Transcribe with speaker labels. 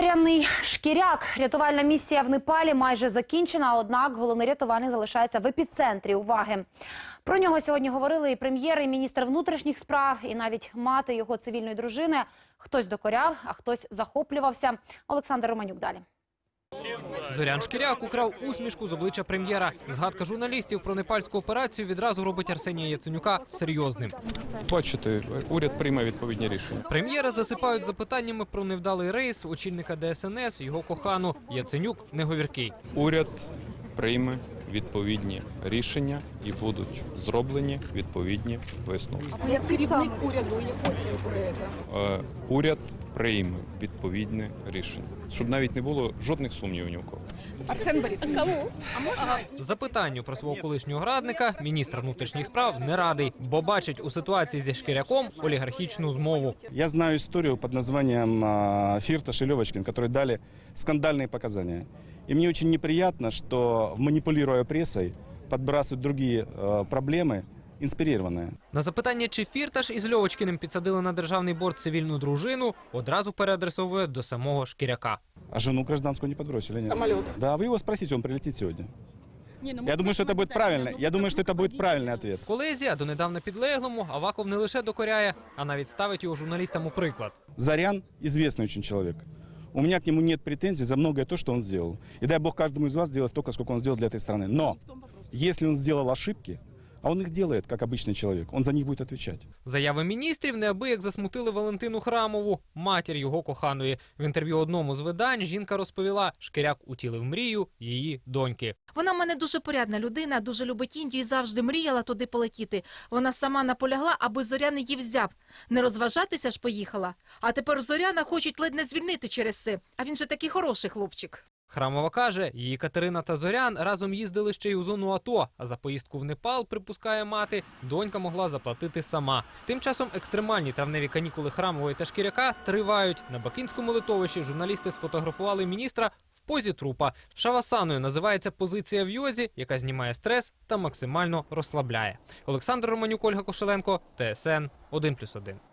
Speaker 1: Зоряний Шкіряк. Рятувальна місія в Непалі майже закінчена, однак головний рятувальник залишається в епіцентрі уваги. Про нього сьогодні говорили і прем'єр, і міністр внутрішніх справ, і навіть мати його цивільної дружини. Хтось докоряв, а хтось захоплювався. Олександр Романюк далі.
Speaker 2: Зорян Шкіряк украв усмішку з обличчя прем'єра. Згадка журналістів про непальську операцію відразу робить Арсенія Яценюка серйозним.
Speaker 3: Бачите, уряд прийме відповідні рішення.
Speaker 2: Прем'єра засипають запитаннями про невдалий рейс, очільника ДСНС, його кохану. Яценюк не говіркий.
Speaker 3: Уряд прийме відповідні рішення і будуть зроблені відповідні висновки.
Speaker 4: Як керівник уряду, яку оцінку даєте?
Speaker 3: Уряд прийме відповідне рішення, щоб навіть не було жодних сумнівів ні у кого.
Speaker 4: Арсен Борисович,
Speaker 2: Запитанню про свого колишнього радника міністр внутрішніх справ не радий, бо бачить у ситуації зі Шкіряком олігархічну змову.
Speaker 5: Я знаю историю под названием Фирташ и Левочкин, которые дали скандальные показания. И мне очень неприятно, что, манипулируя прессой, подбрасывают другие проблемы, инспирированные.
Speaker 2: На запитання, чи Фірташ із Льовочкіним підсадили на державний борт цивільну дружину, одразу переадресовує до самого Шкіряка.
Speaker 5: А жену гражданскую не подбросили, нет?
Speaker 4: самолет.
Speaker 5: Да, вы его спросите, он прилетит сегодня. Я думаю, что это будет правильно. Я думаю, что это будет правильный ответ.
Speaker 2: Колезі, а донедавна підлеглому, Аваков не лише докоряє, а навіть ставить його журналістам у приклад.
Speaker 5: Зорян известный очень человек. У меня к нему нет претензий за многое то, что он сделал. И дай бог каждому из вас сделать столько, сколько он сделал для этой страны. Но если он сделал ошибки, а он их делает, как обычный человек, он за них будет отвечать.
Speaker 2: Заяви міністрів неабияк засмутили Валентину Храмову, матір його коханої. В інтерв'ю одному з видань жінка розповіла, Шкіряк утілив мрію її доньки.
Speaker 6: Вона в мене дуже порядна людина, дуже любить Індію і завжди мріяла туди полетіти. Вона сама наполягла, аби Зорян її взяв. Не розважатися ж поїхала. А тепер Зоряна хочуть ледь не звільнити через це. А він же такий хороший хлопчик.
Speaker 2: Храмова каже, її Катерина та Зорян разом їздили ще й у зону АТО, а за поїздку в Непал, припускає мати, донька могла заплатити сама. Тим часом екстремальні травневі канікули Храмової та Шкіряка тривають. На Бакинському литовищі журналісти сфотографували міністра в позі трупа. Шавасаною називається позиція в йозі, яка знімає стрес та максимально розслабляє. Олександр Романюк, Ольга Кошеленко, ТСН 1+1.